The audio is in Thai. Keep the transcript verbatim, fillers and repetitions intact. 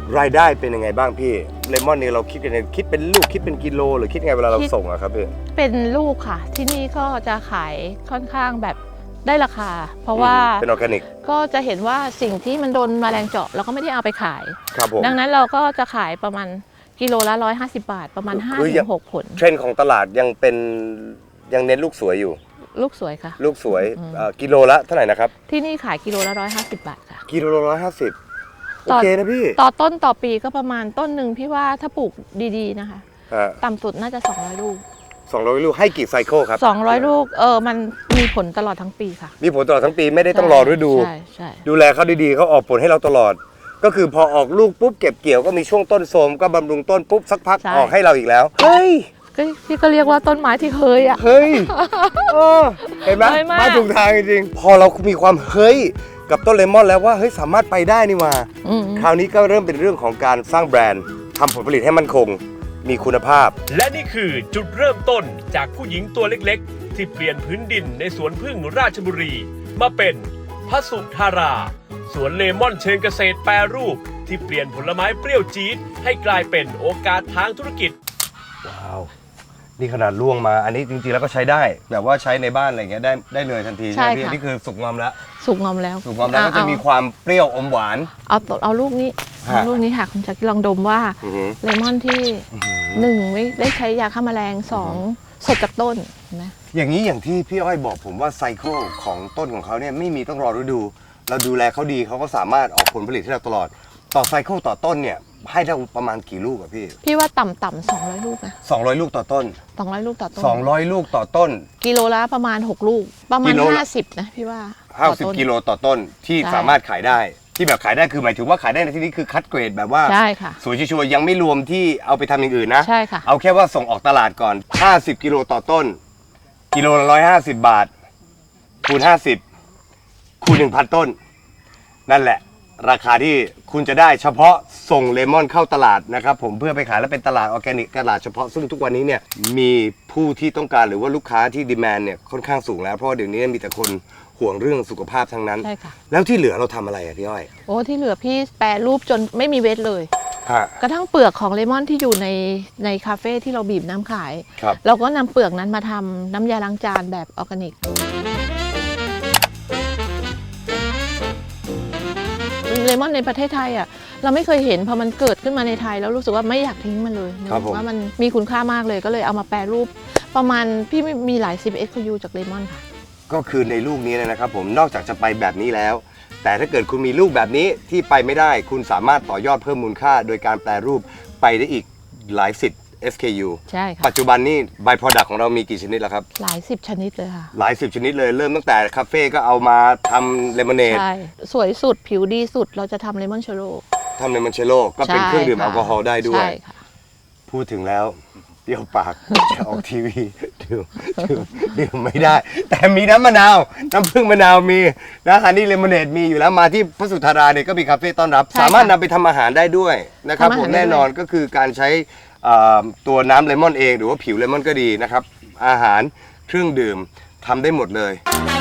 รายได้เป็นยังไงบ้างพี่เลมอนนี่เราคิดกันคิดเป็นลูกคิดเป็นกิโลหรือคิดไงเวลาเราส่งอะครับพี่เป็นลูกค่ะที่นี่ก็จะขายค่อนข้างแบบได้ราคาเพราะว่าเป็นออร์แกนิกก็จะเห็นว่าสิ่งที่มันโดนแมลงเจาะเราก็ไม่ได้เอาไปขายครับผมดังนั้นเราก็จะขายประมาณกิโลละร้อยห้าสิบบาทประมาณห้าถึงหกผลเทรนด์ของตลาดยังเป็นยังเน้นลูกสวยอยู่ลูกสวยค่ะลูกสวยกิโลละเท่าไหร่นะครับที่นี่ขายกิโลละร้อยห้าสิบบาทค่ะกิโลละร้อยห้าสิบโอเคนะพี่ต่อต้นต่อปีก็ประมาณต้นหนึ่งพี่ว่าถ้าปลูกดีๆนะคะต่ำสุดน่าจะสองร้อยลูกสองร้อยลูกให้กี่ไซเคิลครับสองร้อยลูกเออมันมีผลตลอดทั้งปีค่ะมีผลตลอดทั้งปีไม่ได้ต้องรอฤดูใช่ใช่ดูแลเขาดีๆเขาออกผลให้เราตลอดก็คือพอออกลูกปุ๊บเก็บเกี่ยวก็มีช่วงต้นโทรมก็บำรุงต้นปุ๊บสักพักออกให้เราอีกแล้วเฮ้ยพี่ก็เรียกว่าต้นไม้ที่เฮ้ยอ่ะเฮ้ยเห็นไหมมาถูกทางจริงๆพอเรามีความเฮ้ยกับต้นเลมอนแล้วว่าเฮ้ยสามารถไปได้นี่ว่าคราวนี้ก็เริ่มเป็นเรื่องของการสร้างแบรนด์ทำผลผลิตให้มั่นคงมีคุณภาพและนี่คือจุดเริ่มต้นจากผู้หญิงตัวเล็กๆที่เปลี่ยนพื้นดินในสวนพึ่งราชบุรีมาเป็นพสุธาราสวนเลมอนเชิงเกษตรแปรรูปที่เปลี่ยนผลไม้เปรี้ยวจี๊ดให้กลายเป็นโอกาสทางธุรกิจว้าวนี่ขนาดล่วงมาอันนี้จริงๆแล้วก็ใช้ได้แบบว่าใช้ในบ้านอะไรเงี้ยได้ได้เลยทันทีใช่ไหมพี่นี่คือสุกงอมแล้วสุกงอมแล้วสุกงอมแล้วก็จะมีความเปรี้ยวอมหวานเอาเอาลูกนี้เอาลูกนี้ค่ะคุณจักรลองดมว่าเลมอนที่หนึ่งไม่ได้ใช้ยาฆ่าแมลงสองสดจากต้นนะอย่างนี้อย่างที่พี่อ้อยบอกผมว่าไซเคิลของต้นของเขาเนี่ยไม่มีต้องรอฤดูเราดูแลเขาดีเขาก็สามารถออกผลผลิตให้เราตลอดต่อไซเคิลต่อต้นเนี่ยให้ได้ประมาณกี่ลูกอะพี่พี่ว่าต่ำๆสองร้อยลูกนะสองร้อยลูกต่อต้นสองร้อยลูกต่อต้นสองร้อยลูกต่อต้นกิโลละประมาณหกลูกประมาณห้าสิบนะพี่ว่าห้าสิบกิโลต่อต้นที่สามารถขายได้ที่แบบขายได้คือหมายถึงว่าขายได้ในที่นี้คือคัดเกรดแบบว่าใช่ค่ะสวยชัวร์ยังไม่รวมที่เอาไปทำอย่างอื่นนะใช่ค่ะเอาแค่ว่าส่งออกตลาดก่อนห้าสิบกิโลต่อต้นกิโลละหนึ่งร้อยห้าสิบบาทคูณห้าสิบคูณ หนึ่งพัน ต้นนั่นแหละราคาที่คุณจะได้เฉพาะส่งเลมอนเข้าตลาดนะครับผมเพื่อไปขายและเป็นตลาดออร์แกนิกตลาดเฉพาะซึ่งทุกวันนี้เนี่ยมีผู้ที่ต้องการหรือว่าลูกค้าที่ดีแมนเนี่ยค่อนข้างสูงแล้วเพราะเดี๋ยวนี้มีแต่คนห่วงเรื่องสุขภาพทั้งนั้นใช่ค่ะแล้วที่เหลือเราทำอะไรอะพี่อ้อยโอ้ที่เหลือพี่แปรรูปจนไม่มีเวทเลยกระทั่งเปลือกของเลมอนที่อยู่ในในคาเฟ่ที่เราบีบน้ำขายเราก็นำเปลือกนั้นมาทำน้ำยาล้างจานแบบออร์แกนิกเลมอนในประเทศไทยอ่ะเราไม่เคยเห็นพอมันเกิดขึ้นมาในไทยแล้วรู้สึกว่าไม่อยากทิ้งมันเลยว่ามันมีคุณค่ามากเลยก็เลยเอามาแปรรูปประมาณพี่มีหลายสิบเอ็กซ์ยูจากเลมอนค่ะก็คือในลูกนี้นะครับผมนอกจากจะไปแบบนี้แล้วแต่ถ้าเกิดคุณมีลูกแบบนี้ที่ไปไม่ได้คุณสามารถต่อยอดเพิ่มมูลค่าโดยการแปรรูปไปได้อีกหลายสิบ เอส เค ยูใช่ค่ะปัจจุบันนี้ by product ของเรามีกี่ชนิดแล้วครับหลายสิบชนิดเลยค่ะหลายสิบชนิดเลยเริ่มตั้งแต่คาเฟ่ก็เอามาทำเลมอนเนดใช่สวยสุดผิวดีสุดเราจะทำเลมอนเชโร่ทำเลมอนเชโร่ก็เป็นเครื่องดื่มแอลกอฮอล์ได้ด้วยพูดถึงแล้วเปรี้ยวปากจะออกทีวีดื่มดื่มดื่มไม่ได้แต่มีน้ำมะนาวน้ำผึ้งมะนาวมีนะฮันนี่เลมอนเนดมีอยู่แล้วมาที่พระสุธาราเนี่ยก็มีคาเฟ่ต้อนรับสามารถนำไปทำอาหารได้ด้วยนะครับผมแน่นอนก็คือการใช้ตัวน้ำเลมอนเองหรือว่าผิวเลมอนก็ดีนะครับอาหารเครื่องดื่มทำได้หมดเลย